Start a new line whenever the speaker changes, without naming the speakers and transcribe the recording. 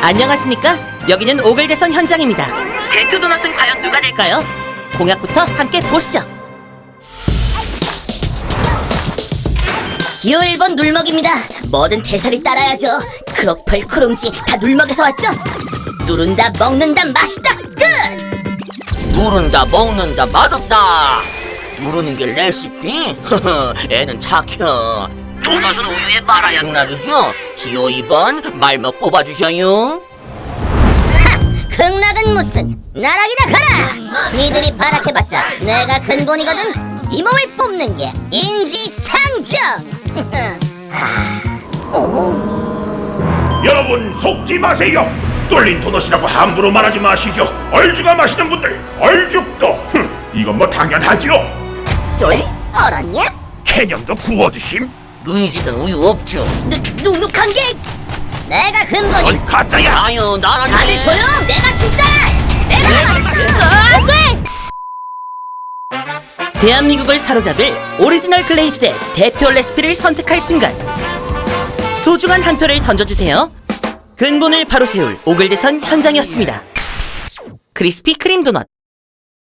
안녕하십니까? 여기는 오글대선 현장입니다. 대표 도넛은 과연 누가 될까요? 공약부터 함께 보시죠.
기호 1번 눌먹입니다. 뭐든 대사리 따라야죠. 크로플, 크롱지 다 눌먹에서 왔죠? 누른다, 먹는다, 맛있다, 끝!
누른다, 먹는다, 맛없다. 누르는 게 레시피? 애는 착해. 도넛은 우유에 말아야 극락이죠? 기호 2번 말먹 뽑아주셔요.
극락은 무슨 나락이나 가라! 니들이 바락해봤자 내가 근본이거든. 이 몸을 뽑는 게 인지상정!
여러분 속지 마세요. 뚫린 도넛이라고 함부로 말하지 마시죠. 얼죽아 마시는 분들 얼죽도 이건 뭐 당연하지요.
쫄? 얼었냐?
개념도 구워드심.
너희 집엔 우유 없죠?
눅눅한 게 내가 근본이.
넌 가짜야.
아유, 나라네.
다들 조용! 내가 진짜야! 내가 안 돼!
대한민국을 사로잡을 오리지널 글레이즈의 대표 레시피를 선택할 순간, 소중한 한 표를 던져주세요. 근본을 바로 세울 오글대선 현장이었습니다. 크리스피 크림 도넛.